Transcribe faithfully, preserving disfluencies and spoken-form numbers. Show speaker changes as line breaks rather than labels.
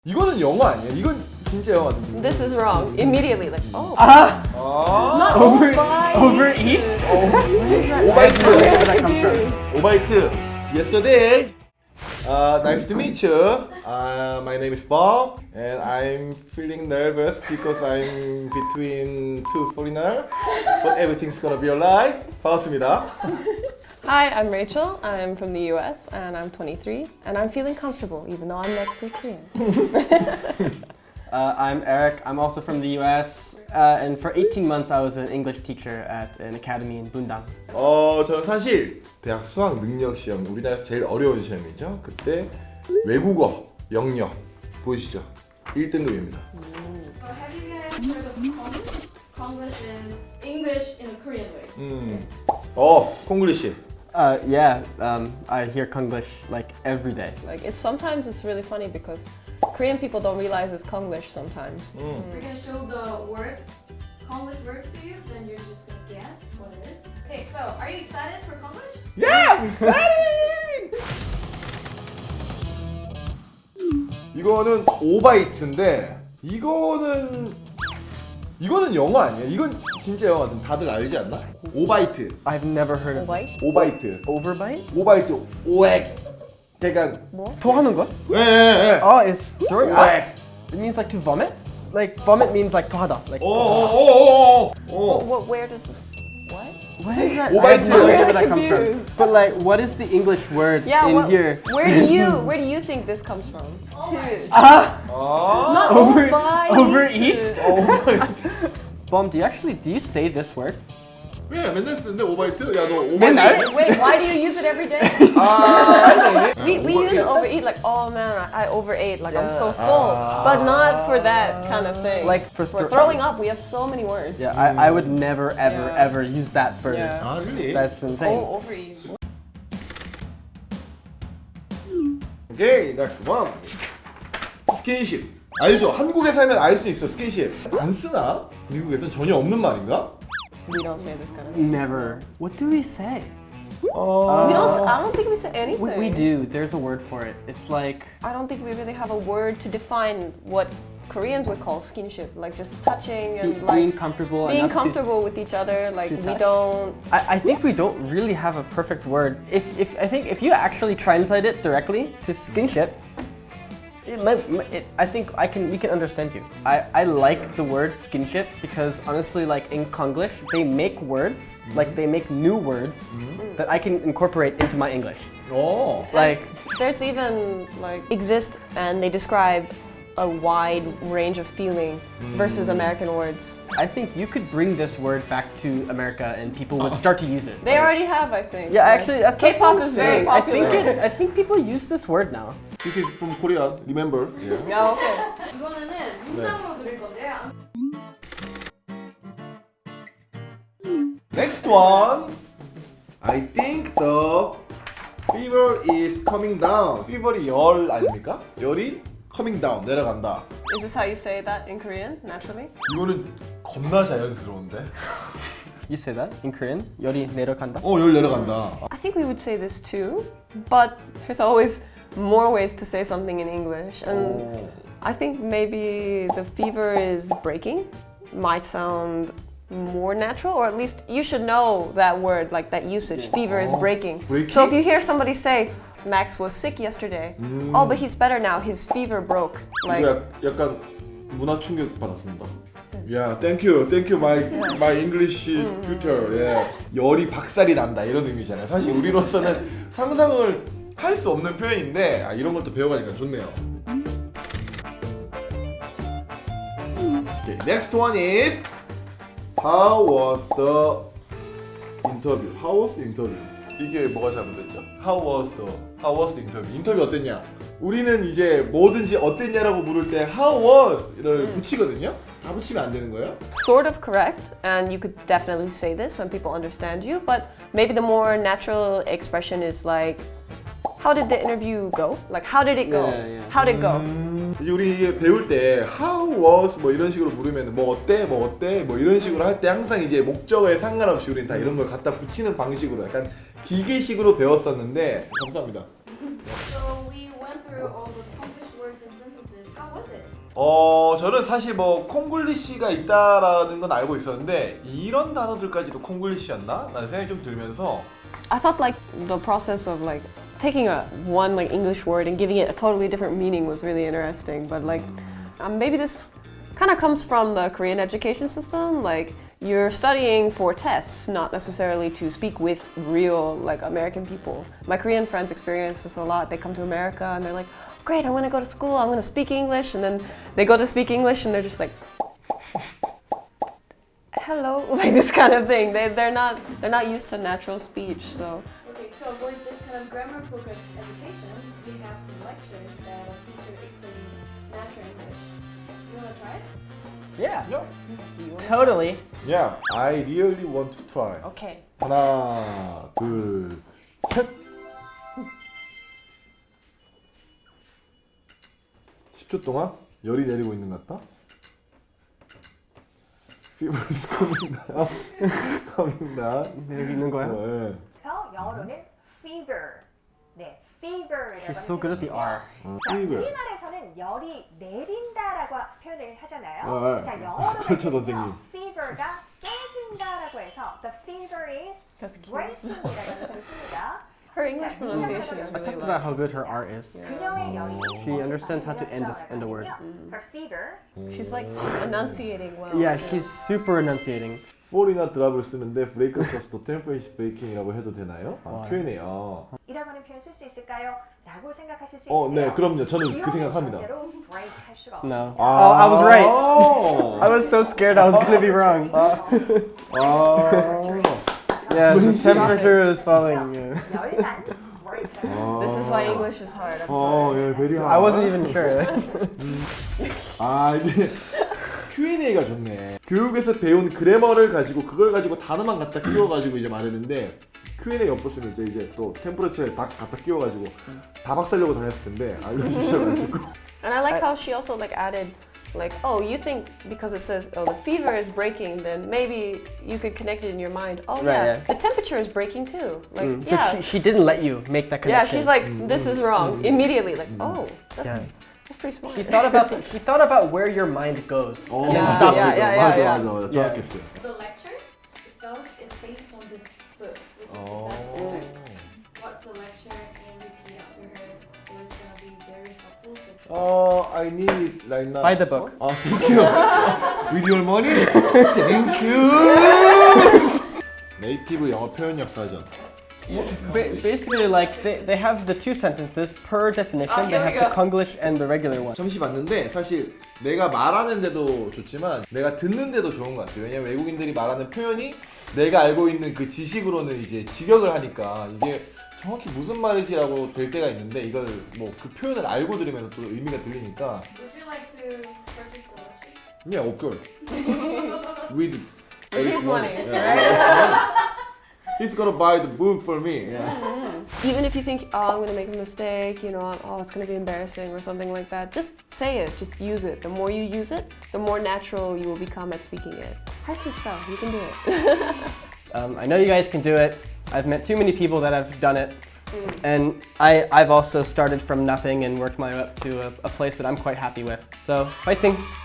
이거는 영어 아니야? 이건 진짜 영어 같은데.
This is wrong. Immediately, like, oh.
Ah,
아,
over
Overbite.
overeat.
오바이트.
Where that comes from?
오바이트. Yesterday. Uh, nice to meet you. Uh, my name is Bob, and I'm feeling nervous because I'm between two foreigners. But everything's gonna be alright. 반갑습니다.
Hi, I'm Rachel. I'm from the U S and I'm twenty-three. And I'm feeling comfortable even though I'm next to a Korean.
Uh, I'm Eric. I'm also from the U S. Uh, and for eighteen months, I was an English teacher at an academy in Bundang.
어, 저는 사실 대학 수학 능력 시험, 우리나라에서 제일 어려운 시험이죠. 그때 외국어 영역 보이시죠? 일 등급입니다.
So have you guys heard of Konglish? Konglish is English in a Korean way.
음. 어, 콩글리시.
Uh, yeah, um, I hear Konglish like every day.
Like, it's sometimes it's really funny because Korean people don't realize it's Konglish sometimes.
음.
We're gonna show the word, Konglish words to you, then you're just gonna guess what it is. Okay, so are you excited for Konglish?
Yeah, I'm excited! 이거는 오바이트인데 이거는 이거는 영어 아니야? 이건 진짜 영어 같은 다들 알지 않나? 오바이트,
I've never heard of
White?
오바이트,
overbite.
오바이트, 오액. 그러니까
뭐?
토하는 거?
예, 예, 예.
Oh, it's throwing up.
오액.
It means like to vomit. Like vomit means like tohada. Like
오오오오오.
What, what, where does this. What?
what is that? I
Obaite.
have no idea where that comes from.
Confused.
But like, what is the English word
Yeah,
in
what,
here?
where do you where do you think this comes from? Two.
Ah,
아.
Not
over
overbite.
overeat.
오바이트.
Bom, do you actually do you say this word?
왜 맨날 쓰는데 오바이트? 야 너 오바이트.
맨날?
Wait, wait, why do you use it every day?
아.
We, we use overeat like, oh man, I, I overate, like I'm so full. But not for that kind of thing.
Like for
For
thro-
throwing up, we have so many words.
Yeah, I, I would never ever
Yeah.
ever use that for.
Yeah.
아, really?
That's insane.
Oh, overeat.
오케이, next one. 스킨십. 알죠? 한국에 살면 알 수 있어, 스킨십. 안 쓰나? 미국에선 전혀 없는 말인가?
We don't say this kind of thing.
Never. What do we say?
어...
We don't. I don't think we say anything.
We, we do. There's a word for it. It's like
I don't think we really have a word to define what Koreans would call skinship, like just touching and
being
like
comfortable.
being
enough to-
comfortable with each other. Like
to
we
touch.
don't.
I, I think we don't really have a perfect word. If, if I think if you actually translate it directly to skinship, it, might- it, I think I can we can understand you. I, I like the word skinship because honestly, like in Konglish, they make words like they make new words that I can incorporate into my English.
어.
Like
There's even like exist and they describe a wide range of feeling versus American words.
I think you could bring this word back to America and people would start to use it.
They already have, I think.
Yeah,
Like,
actually, that's that's
K-pop
what I'm
is very
saying. I
popular.
think it, I think people use this word now.
This is from Korea, remember? Yeah.
Yeah, okay.
이번에는 문장으로 드릴 건데요.
Next one. I think the fever is coming down. fever이 열 아닙니까? 열이 coming down, 내려간다.
Is this how you say that in Korean, naturally?
이거는 겁나 자연스러운데?
You say that in Korean? 열이 내려간다.
어, 열 내려간다.
I think we would say this too, but there's always more ways to say something in English. And
어.
I think maybe the fever is breaking might sound more natural, or at least you should know that word, like that usage. Fever is
Oh,
breaking.
breaking?
So if you hear somebody say, Max was sick yesterday. Oh, but he's better now. His fever broke. Like,
이거 약- 약간 문화 충격 받았습니다. Yeah, thank you, thank you, my my English tutor. Yeah. 열이 박살이 난다 이런 의미잖아요. 사실 우리로서는 상상을 할 수 없는 표현인데 아, 이런 걸 또 배워가니까 좋네요. Okay, next one is how was the interview? How was the interview? 이게 뭐가 잘못됐죠? How was the How was the interview? 인터뷰 어땠냐? 우리는 이제 뭐든지 어땠냐라고 물을 때 How was를 붙이거든요. 다 붙이면 안 되는 거예요?
sort of correct, and you could definitely say this. Some people understand you, but maybe the more natural expression is like, how did the interview go? Like, how did it go?
Yeah, yeah.
How did it go?
이제 우리 이게 배울 때 How was 뭐 이런 식으로 물으면 뭐 어때? 뭐 어때? 뭐 이런 식으로 할 때 항상 이제 목적어에 상관없이 우리는 다 이런 걸 갖다 붙이는 방식으로 약간 기계식으로 배웠었는데 감사합니다.
So we went through all the Konglish words and sentences. How was
어 저는 사실 뭐 콩글리시가 있다라는 건 알고 있었는데 이런 단어들까지도 콩글리시였나? 라는 생각이 좀 들면서
I thought like the process of like taking a one like English word and giving it a totally different meaning was really interesting. But like um, maybe this kind of comes from the Korean education system. Like you're studying for tests, not necessarily to speak with real like American people. My Korean friends experience this a lot. They come to America and they're like, great, I want to go to school, I'm going to speak English. And then they go to speak English and they're just like, hello, like this kind of thing. They, they're not they're not used to natural speech, so.
Okay, to avoid this kind of grammar-focused education, we have some lectures that a teacher explains natural English. You wanna try it?
Yeah,
Yeah,
totally.
yeah, I really want to try.
Okay.
하나, 둘, 셋. 십 초 동안 열이 내리고 있는 것 같다. Fever is coming down. coming down.
여기 있는 거야?
네.
그래서 영어로는 fever. 네, fever이라고
She's so good at the R.
어,
자,
fever.
우리말에서는 열이 내린다라고 표현을 하잖아요.
어, 어.
자, 영어로
그렇죠,
할 때는요,
선생님.
fever가 깨진다라고 해서 the fever is
That's cute.
breaking이라는 표현을 씁니다.
Her English pronunciation is
I
really
talked about
low.
how good her R is.
그녀의 열이
She understands how to end a- end a word.
Her fever.
She's like enunciating well.
Yeah, she's super enunciating.
fall이나 드랍을 쓰는데 브레이크를 썼을 때 템퍼레이처 브레이킹이라고 해도 되나요? 아, 큐 앤 에이. 아.
이라고 하는 표현 쓸 수 있을까요? 라고 생각하실 수
어,
있는데요.
네, 그럼요. 저는 그
기억을
생각합니다.
절대로 break 할 수가 없어요.
No.
아.
Oh, I was right. I
아.
was so scared I was gonna be wrong.
아.
Yeah, the temperature is falling. Yeah.
열만 break.
This is why English is hard. I'm
어,
sorry.
예, 베리
I wasn't even sure.
아, 이게 큐 앤 에이가 좋네. 교육에서 배운 그래머를 가지고 그걸 가지고 단어만 갖다 끼워가지고 이제 말했는데 큐 앤 에이 없었으면 이제 이제 또 템퍼레처에 다 갖다 끼워가지고 다 박살려고 다녔을 텐데 알려주셔가지고.
And I like how she also like added like, oh, you think because it says, oh, the fever is breaking, then maybe you could connect it in your mind. Oh,
Right,
yeah,
yeah.
the temperature is breaking too. Like,
Mm, 'cause
yeah.
she, she didn't let you make that
Yeah,
connection.
she's like, this is wrong immediately. Like, oh, that's,
Yeah.
that's pretty smart.
She thought about the, she thought about where your mind goes.
어,
and then
Yeah,
stopped
yeah,
it.
yeah,
맞아,
yeah.
맞아, 맞아.
Yeah.
정확했어요.
The lecture itself is based on this book, which is
어.
the best book. Watch the lecture and repeat after her, so it's gonna be very helpful. For
어, I need it right now.
Buy the book.
아, thank you. With your money? Thank you. 네이티브 영어 표현력 사전.
Ba- basically, like they, they have the two sentences per definition.
Oh,
they
here
have
we
the
go.
Konglish and the regular one.
잠시 봤는데 사실 내가 말하는데도 좋지만 내가 듣는데도 좋은 것 같아요. 왜냐면 외국인들이 말하는 표현이 내가 알고 있는 그 지식으로는 이제 직역을 하니까 이게 정확히 무슨 말이지라고 될 때가 있는데 이걸 뭐 그 표현을 알고 들으면 또 의미가 들리니까
Would you like to purchase the lecture?
yeah, of course. With
his money,
Yeah, he's gonna buy the book for me. Yeah.
Even if you think, oh, I'm gonna make a mistake, you know, oh, it's gonna be embarrassing or something like that, just say it, just use it. The more you use it, the more natural you will become at speaking it. 할 수 있어, you can do it.
Um, I know you guys can do it. I've met too many people that have done it. And I, I've also started from nothing and worked my way up to a, a place that I'm quite happy with. So, fighting!